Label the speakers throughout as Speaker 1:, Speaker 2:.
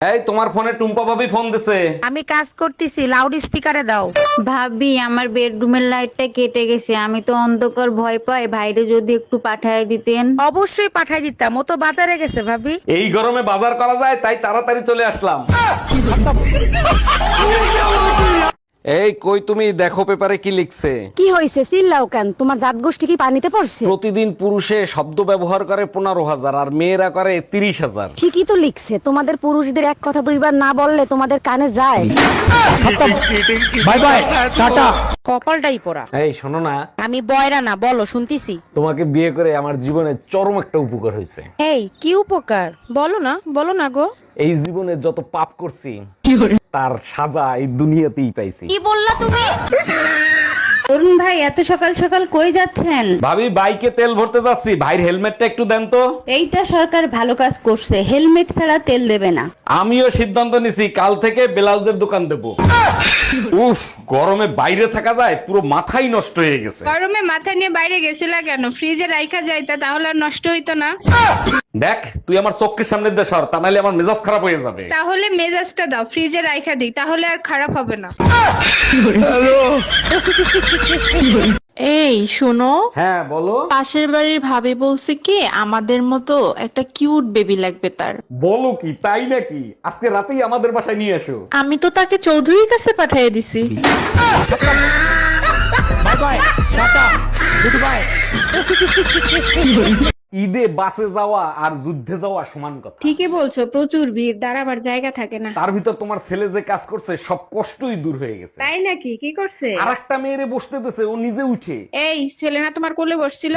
Speaker 1: এই তোমার ফোনে টুম্পা ভাবি ফোন দিছে।
Speaker 2: আমি কাজ করতেছি, লাউড স্পিকারে দাও।
Speaker 3: ভাবি আমার বেডরুমের লাইটটা কেটে গেছে, আমি তো অন্ধকার ভয় পাই, ভাইরে যদি একটু পাঠায় দিতেন।
Speaker 2: অবশ্যই পাঠাই দিতাম, ও তো বাজারে গেছে ভাবি।
Speaker 1: এই গরমে বাজার করা যায় তাই তাড়াতাড়ি চলে আসলাম। এই কই তুমি, দেখো পেপারে কি লিখছে।
Speaker 4: কি হয়েছে চিল্লাও কেন? তোমার জাত গোষ্ঠী কি পানিতে পড়ছে?
Speaker 1: প্রতিদিন পুরুষে শব্দ ব্যবহার করে 15,000 আর মেয়েরা করে 30,000।
Speaker 4: ঠিকই তো লিখছে, তোমাদের পুরুষদের এক কথা দুইবার না বললে তোমাদের কানে যায়।
Speaker 1: Bye bye tata.
Speaker 2: কপালটাই পোড়া।
Speaker 1: এই শোনো না,
Speaker 2: আমি বয়রা না, বলো শুনতিছি।
Speaker 1: তোমাকে বিয়ে করে আমার জীবনে চরম একটা উপকার হয়েছে।
Speaker 2: এই কি উপকার? বলো না, বলো না গো।
Speaker 1: এই জীবনে যত পাপ করছি তার সাজা এই দুনিয়াতেই পাইছি।
Speaker 3: কি বললা তুমি? অরুণ ভাই এত সকাল সকাল কই যাচ্ছেন?
Speaker 1: ভাবি বাইকে তেল ভরতে যাচ্ছি, ভাইয়ের হেলমেটটা একটু দেন তো।
Speaker 3: এইটা সরকার ভালো কাজ করছে, হেলমেট ছাড়া তেল দেবে না।
Speaker 1: আমিও সিদ্ধান্ত নিছি কাল থেকে ব্লাউজের দোকান দেব। উফ, গরমে বাইরে থাকা যায়, পুরো মাথাই নষ্ট হয়ে গেছে।
Speaker 5: গরমে মাথা নিয়ে বাইরে গেছিলা কেন? ফ্রিজে রাইখা যাইতা, তাহলে আর নষ্ট হইতো না।
Speaker 1: দেখ তুই আমার চোখের সামনে দিয়ে সর, তা নাহলে আমার মেজাজ খারাপ হয়ে যাবে।
Speaker 5: তাহলে মেজাজটা দাও, ফ্রিজে রাইখা দিই, তাহলে আর খারাপ হবে না।
Speaker 6: এই শোনো,
Speaker 1: হ্যাঁ বলো।
Speaker 6: পাশের বাড়ির ভাবি বলছে কি আমাদের মতো একটা কিউট বেবি লাগবে তার।
Speaker 1: বলো কি, তাই নাকি? আজকে রাতেই আমাদের বাসায় নিয়ে এসো।
Speaker 6: আমি তো তাকে চৌধুরীর কাছে পাঠিয়ে দিছি।
Speaker 1: ঈদে বাসে যাওয়া আর যুদ্ধে যাওয়া সমান কথা।
Speaker 5: ঠিকই বলছো, প্রচুর ভিড়, দাঁড়াবার জায়গা থাকে না।
Speaker 1: তার ভিতর তোমার ছেলে যে কাজ করছে সব কষ্টই দূর হয়ে গেছে।
Speaker 5: তাই নাকি? কি করছে?
Speaker 1: আর একটা মেয়েরে বসতে দিছে, ও নিজে উঠে।
Speaker 5: এই ছেলে না তোমার কোলে বসছিল?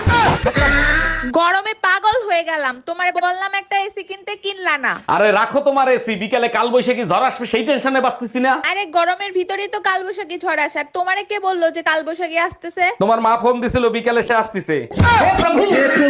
Speaker 7: গরমে পাগল হয়ে গেলাম, তোমার বললাম একটা এসি কিনতে, কিনলা না।
Speaker 1: আরে রাখো তোমার এসি, বিকালে কাল বৈশাখী ঝড় আসবে সেই টেনশনে বাঁচতেছি না।
Speaker 7: আরে গরমের ভিতরেই তো কালবৈশাখী ঝড় আসার, তোমারে কে বললো যে কালবৈশাখী আসতেছে?
Speaker 1: তোমার মা ফোন দিছিল বিকালে সে আসতেছে।